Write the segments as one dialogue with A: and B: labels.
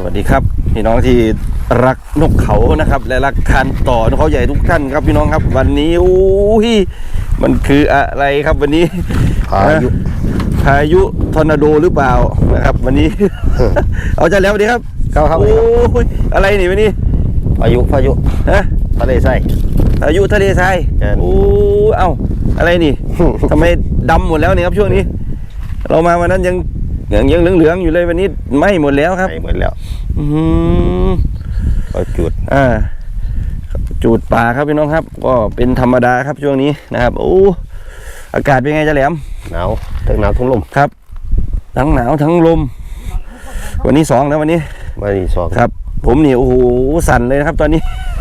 A: วัสดีครับพี่น้องที่รักนกเขานะครับและรักการต่อนกเขาใหญ่ทุกท่านครับพี่น้องครับวันนี้โอ้ยมันคืออะไรครับวันนี้พายุทอร์นาโดหรือเปล่านะครับวันนี้ เอาใจแล้วสวัสดีครับ
B: ครับ
A: โอ้ยอะไรนี่วันนี้
B: พายุ
A: ฮะ
B: ทะเลทราย
A: พายุทะเลทรายโอ้เอ้าอะไรนี่ ทำไมดำหมดแล้วเนี่ยครับช่วงนี้เรามาวันนั้นยังเหลืองๆอยู่เลยวันนี้ไหม้หมดแล้วครับ
B: ไหม้หมดแล้วก็
A: จูดป่าครับพี่น้องครับก็เป็นธรรมดาครับช่วงนี้นะครับโอ้อากาศเป็นไงจะแหลม
B: หนาวทั้งหนาวทั้งลม
A: ครับทั้งหนาวทั้งลมวันนี้2แล้ววันนี้
B: 2
A: ครับผมนี่โอ้โหสั่นเลยนะครับตอนนี้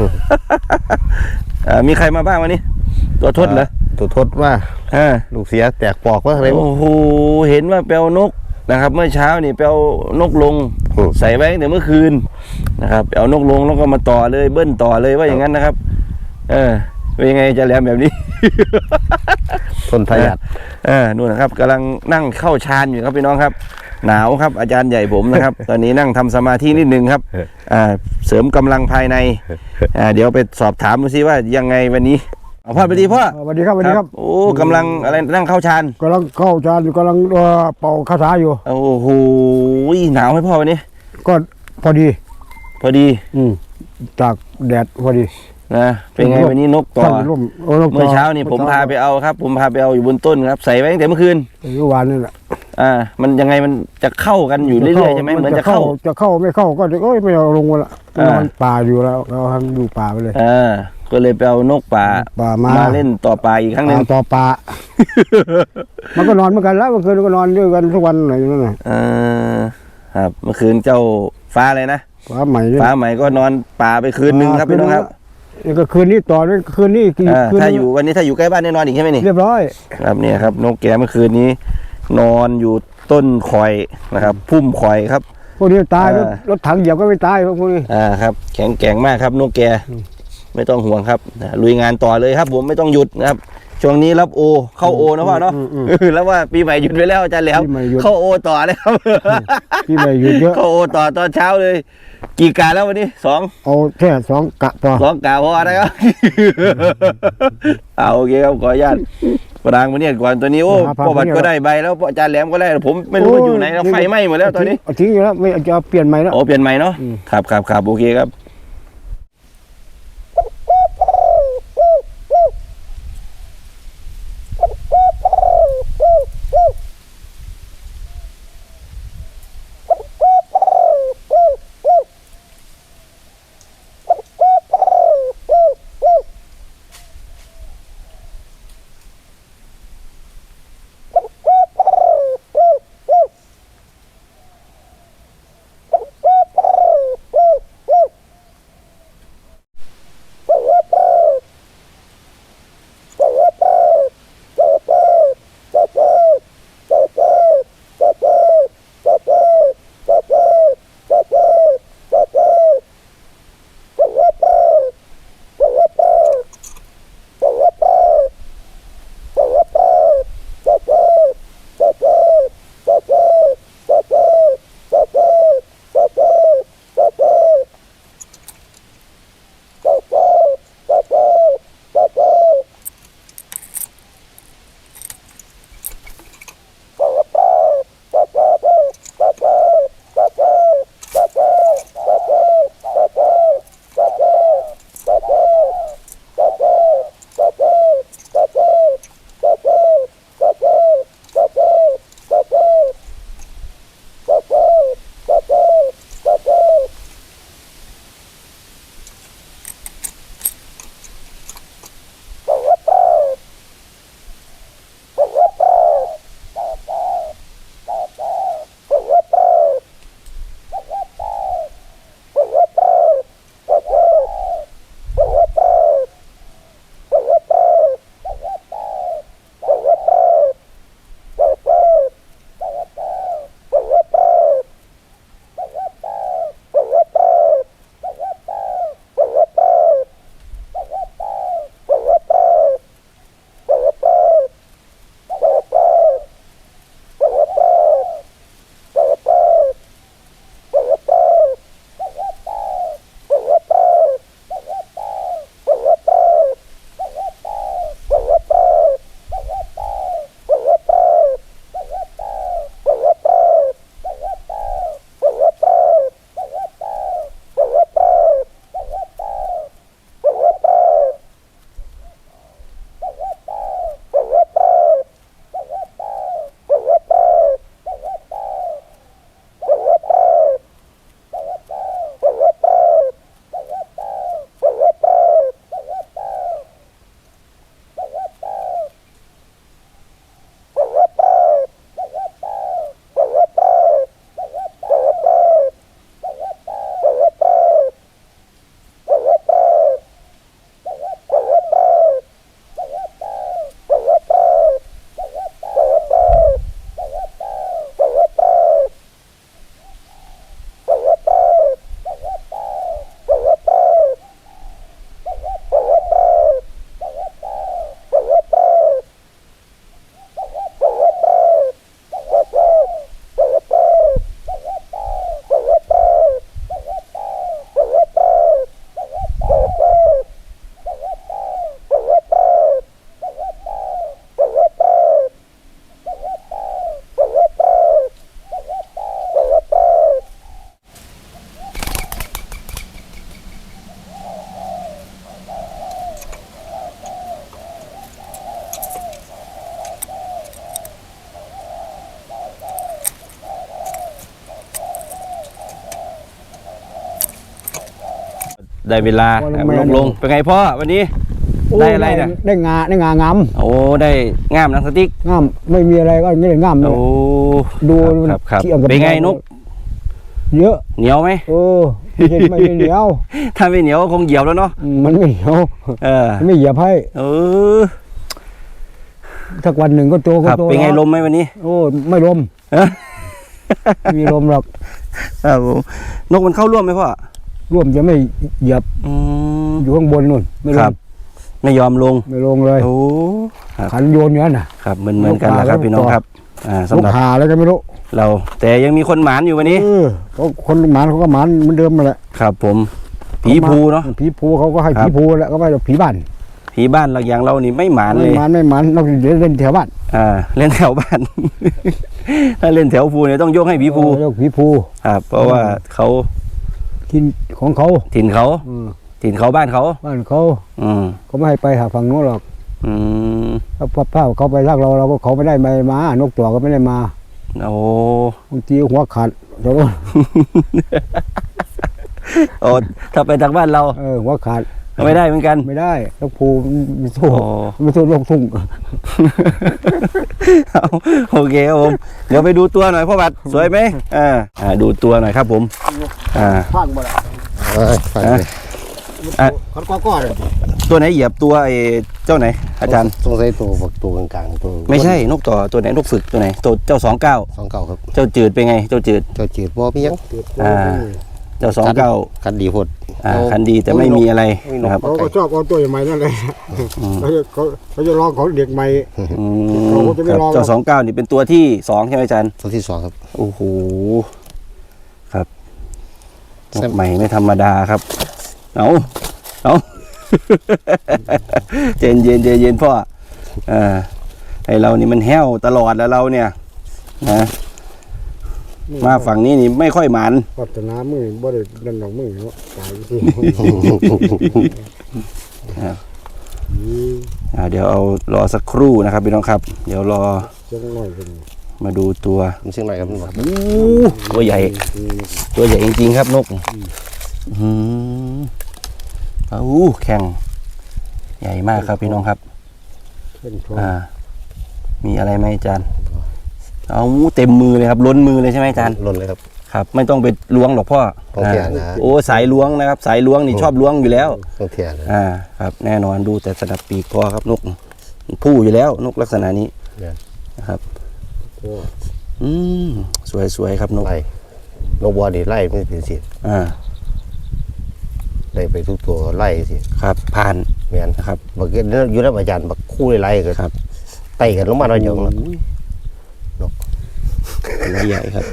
A: มีใครมาบ้างวันนี้ตัวทดเหรอ
B: ตัวทดว่าลูกเสียแตกปอกว่าอะไร
A: โอ้โหเห็นว่าแปลวนกนะครับเมื่อเช้านี่แปลวนกลงใส่ไว้ตั้งแต่เมื่อคืนนะครับเอานกลงแล้วก็มาต่อเลยเบิ้ลต่อเลยว่าอย่างนั้นนะครับเป็นยังไงจะแหลมแบบนี้
B: ทนทายัด
A: นู่นนะครับกำลังนั่งเข้าฌานอยู่ครับพี่น้องครับหนาวครับอาจารย์ใหญ่ผมนะครับ ตอนนี้นั่งทำสมาธินิดนึงครับเสริมกำลังภายในเดี๋ยวไปสอบถามดูซิว่ายังไงวันนี้พ่อไปดีพ่อ
C: สวัสดีครับ
A: โอ้กำลังอะไรนั่งเข้าฌาน
C: กำลังเข้าฌานอยู่กำลังเป่าคาถาอยู่
A: โอ้โหหนาวไหมพ่อวันนี้
C: ก็พอดีจากแดดพอดี
A: นะเป็นไงวันนี้นกต่อเมื่อเช้านี่ผมพาไปเอาครับผมพาไปเอาอยู่บนต้นครับใส่ไว้ตั้งแต่เมื่อคืน
C: เมื่อวานนี่แหละ
A: มันยังไงมันจะเข้ากันอยู่เรื่อยๆใช่ไหมเหมือนจะเข้า
C: ไม่เข้าก็จะไม่เอาลงละนอนป่าอยู่แล้วเราทำดูป่าไปเลย
A: ก็เลยไปเอานกป่ามาเล่นต่อป่าอีกครั้งหนึ่ง
C: ต่อป่า มันก็นอนเหมือนกันแล้วเมื่อคืนก็นอนด้วยกันทุกวันอะไรอย่างนั้น
A: ครับเมื่อคืนเจ้าฟ้าอะไรนะ
C: ฟ้าใหม่
A: ก็นอนป่าไปคืนนึงครับพี่น้องครับ
C: นี่ก็คืนนี้ต่อนี่คืนนี้
A: ถ้าอยู่วันนี้ถ้าอยู่ใกล้บ้านแน่นอนอีกใช่ไหมนี่
C: เรียบร้อย
A: ครับเนี่ยครับนกแกเมื่อคืนนี้นอนอยู่ต้นคอยนะครับพุ่มคอยครับ
C: พวกนี้ตายรถถังเหยียบก็ไม่ตายพวกนี้
A: ครับแข็งแกร่งมากครับนกแกไม่ต้องห่วงครับลุยงานต่อเลยครับผมไม่ต้องหยุดนะครับช่วงนี้รับเข้านะพ่อเนาะแล้วว่าปีใหม่หยุดไปแล้วอาจารย์แล้วเข้าต่อเลยครับ
C: ปีใหม่หยุดเยอะ
A: เข้าต่อตอนเช้าเลยกี่กะแล้ววันนี้2
C: เอาแค่2 กะพอ
A: 2 กะพอนะครับโอเคครับขออนุญาตปรางมาเนี่ยก่อนตัวนี้พ่อบัตรก็ได้ใบแล้วอาจารย์แหลมก็ได้ผมไม่รู้ว่าอยู่ไหนไฟไหม้หมดแล้วตอนนี้
C: ทิ้งอยู่แล้วไม่จะเปลี่ยนใหม่แล้ว
A: เปลี่ยนใหม่เนาะครับโอเคครับได้เวลา
C: พอลง
A: ครับ
C: มา
A: ลงเป็นไงพ่อวันนี้ ได้อะไรเนี่ย
C: ได้งางาม
A: โอ้ได้ง่ามหนังสติ๊ก
C: งามไม่มีอะไรก็ไม่ได้งามเลย
A: โอ้
C: ดู
A: ครับ
C: เทียบกับ
A: เป็นไงนก
C: เยอะ
A: เหนียวไหม
C: ไม่เหนียว
A: ถ้าไม่เหนียวคงเหยียบแล้วเนาะ
C: มันไม่เหนียว
A: เออ
C: ไม่เหยียบให้
A: เออ
C: สักวันหนึ่งก็โต
A: ค
C: ก็
A: รับ
C: โต
A: เป็นไง
C: แล้ว
A: ลมไหมวันนี้
C: โอ้ไม่ลม
A: เออ
C: ไม่มีลมหรอก
A: ครับผมนกมันเข้าร่วมไหมพ่อ
C: ร่วมจะไม่เหยียบ
A: อืม
C: อยู่ข้างบนนู่นไม่ล
A: ครั
C: ง
A: บ ไม่ยอมลง
C: ไม่ลงเลย
A: โอ้ครับ
C: ขันโยนอย่างนั้นน่ะ
A: ครับเหมือนกันนะครับ
C: ลูกปลา
A: พี่น้องครับสำ
C: ลู
A: ห
C: ก
A: รับ
C: หาแล้วก็ไม่รู้
A: เราแต่ยังมีคนหมานอยู่วันนี้
C: เขาคนหมานเขาก็หมานเหมือนเดิมมาแหละ
A: ครับผมผีภูเนาะ
C: ผีภูเขาก็ให้
A: ครับ
C: ผีภูแล้วก็ไม่ผีบ้าน
A: ผีบ้านเราอย่างเรานี่ไม่หมานเลย
C: ไม่หมานนอกจากเล่นแถวบ้าน
A: เล่นแถวบ้าน ถ้าเล่นแถวภูเนี่ยต้องยกให้ผีภู
C: เรียกผีภู
A: ครับเพราะว่าเขา
C: ทินของเขา
A: ถิ่นเขาถิ่นเขาบ้านเขา
C: บ้านเขา
A: อืม
C: เขาไม่ให้ไปหาฝั่งโน้นหรอก
A: อืม
C: ถ้าเขาไปรักเราก็เขาไม่ได้มานกตัวก็ไม่ได้มา
A: โอ้
C: บางทีหัวขาดเดี๋ยว
A: โอ้ถ้าไปทางบ้านเรา
C: หัวขาด
A: ก็ไม่ได้เหมือนกัน
C: ไม่ได้นกภูไม่สู้
A: โอ้
C: ไม่สู้นกทุ่ง
A: เอาโอเคครับผมเดี๋ยวไปดูตัวหน่อยพ่อบัตรสวยไหมดูตัวหน่อยครับผม
C: ฟังบ่ได้
B: ฟังเลย
C: เขาก็เลย
A: ตัวไหนเหยียบตัวไอ้เจ้าไหนอาจารย์
B: สงสัยตัวฝักตัวกลางๆตัว
A: ไม่ใช่นกต่อตัวไหนนกฝึกตัวไหนตัวเจ้า29
B: 29ครับ
A: เจ้าจืดเป็นไงเจ้าจืด
B: เจ้าจืดบ่มีหยัง
A: เจ้า29
B: คันดีโพด
A: คันดีแต่ไม่มีอะไรนะครับ
C: เขาก็ชอบเอาตัวใหม่นั่นเลยเขาจะลองของเด็กใหม่
A: ครับเจ้า29นี่เป็นตัวที่2ใช่ไหมอาจารย์
B: ตัวที่2ครับ
A: โอ้โหครับนกใหม่ไม่ธรรมดาครับเอาเย็นพ่อไอเรานี่มันแห้วตลอดแล้วเราเนี่ยนะมาฝั่งนี้นี่ไม่ค่อยหมาน
C: พัฒนามือบ่ได้ดันดอกมือเนาะตายที่
A: เดี๋ยวเอารอสักครู่นะครับพี่น้องครับ เดี๋ยวรอ
C: จังหน่อยเป็น
A: มาดูตัว
B: มันเชียงใหม่ครับมันบอก
A: ตัวใหญ่จริงๆครับนกแข็งใหญ่มากครับพี่น้องครับ
C: เป็นทอง
A: มีอะไรไหมอาจารย์เอาเต็มมือเลยครับล้นมือเลยใช่ไหมอาจารย์
B: ล้นเลยครับ
A: ครับไม่ต้องไปล้วงหรอกพ่อ
B: ต้องเทียนะ
A: โอ้สายล้วงนะครับ สายล้วงนี่ชอบล้วงอยู่แล้ว
B: ต้องเทียนะครับ
A: แน่นอนดูแต่สนับปีกพอครับนกผู้อยู่แล้วนกลักษณะนี้นะครับสวยครับนก
B: ไล่นกบัวดิไล่ไม่เป็นสิไล่ไปทุกตัวไล่สิ
A: ครับผ่าน
B: แม่น
A: นะครับ
B: บักเก็ตอยู่แล้วอาจารย์บักคู่ไล่ก็
A: ครับ
B: ไต่กันลงมาเราอย่างนั้น
A: นกใหญ่ครับ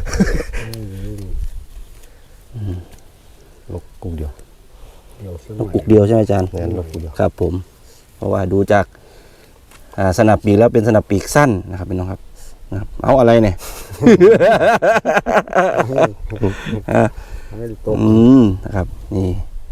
B: นกกุกเดียว
A: นกกุกเดียวใช่ไหมอาจารย์
B: แม่นนกกุกเดียว
A: ครับผมเพราะว่าดูจากสนับปีกแล้วเป็นสนับปีกสั้นนะครับพี่น้องครับเอาอะไรเนี่ยนะครับนี่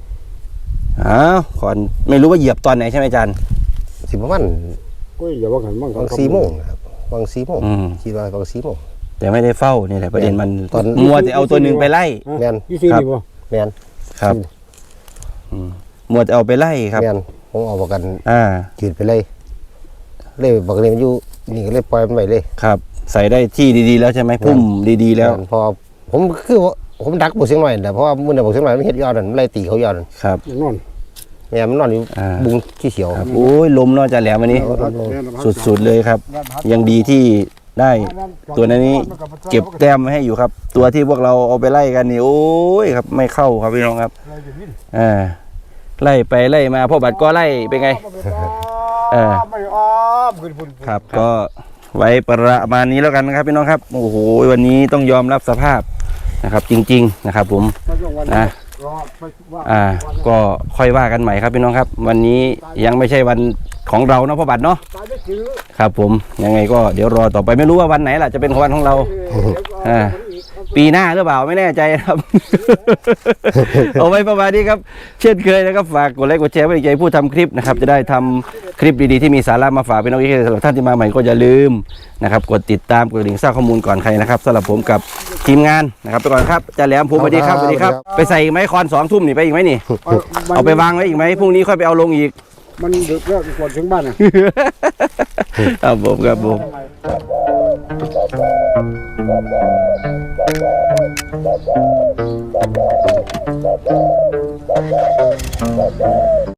A: ขอนไม่รู้ว่าเหยียบตอนไหนใช่ไหมอาจารย์
B: สิประมาณ
C: ก็อย่าว่ากันบ้าง
B: บาง4 โมงนะครับบาง4 โมงคิดว่าบาง4 โมง
A: แต่ไม่ได้เฝ้านี่แหละประเด็นมัน
B: ตอน
A: มัวแต่เอาตัวหนึ่งไปไล่
B: แม่น
C: ยี่สิบนี่บ่
B: แม่น
A: ครับมัวแต่เอาไปไล่ครับ
B: แม่นผมเอาประกัน
A: จื
B: ดไปเลยบักนี้มันอยู่นี่ก็เลยปล่อยมันไปเลย
A: ครับ ใส่ได้ที่ดีๆแล้วใช่ไหมพุ่มดีๆแล้ว
B: พอผมคือผมดักบุกเสียงหน่อยแต่เพราะว่ามันบุกเสียงหน่อยมันเห็ดยอดนั่นไล่ตีเขายอดนั่น
A: ครับ
C: นอน
B: แม่มันนอนอยู่บุงขี้เขียว
A: ครับโอ้ยลมนอกจากแหลมวันนี้ สุดๆเลยครับ ยังดีที่ได้ตัวนี้เก็บแต้มไว้ให้อยู่ครับ ตัวที่พวกเราเอาไปไล่กันนี่โอ้ยครับไม่เข้าครับพี่น้องครับไล่ไปไล่มาพ่อบัตรก็ไล่เป็นไง
C: ไม่อ้อมขึ้นพุ่น
A: ครับก็ไว้ประมาณนี้แล้วกันนะครับพี่น้องครับโอ้โหวันนี้ต้องยอมรับสภาพนะครับ จริงๆนะครับผมนะก็ค่อยว่ากันใหม่ครับพี่น้องครับ วันนี้ยังไม่ใช่วันของเราเนาะพ่อบัตรเนาะครับผมยังไงก็เดี๋ยวรอต่อไปไม่รู้ว่าวันไหนล่ะจะเป็นวันของเราปีหน้าหรือเปล่าไม่แน่ใจครับ เอาไว้ประมาณนี้ครับเช่นเคยนะครับฝากกดไลค์กดแชร์ไว้ในใจผู้ทำคลิปนะครับจะได้ทำคลิปดีๆที่มีสาระมาฝากพี่น้องที่สำหรับท่านที่มาใหม่ก็อย่าลืมนะครับกดติดตามกดกระดิ่งสร้างข้อมูลก่อนใครนะครับสำหรับผมกับทีมงานนะครับไปก่อนครับอาจารย์แหลมผมสวัสดีครับสวัสดีครับไปใส่อีกไหมคอน2 ทุ่มนี่ไปอีกไหมนี่เอาไปวางไว้อีกไหมพรุ่งนี้ค่อยไปเอาลงอีก
C: มันดึกแล้วก่อนถึงบ้านอ่ะ
A: ครับผมครับผม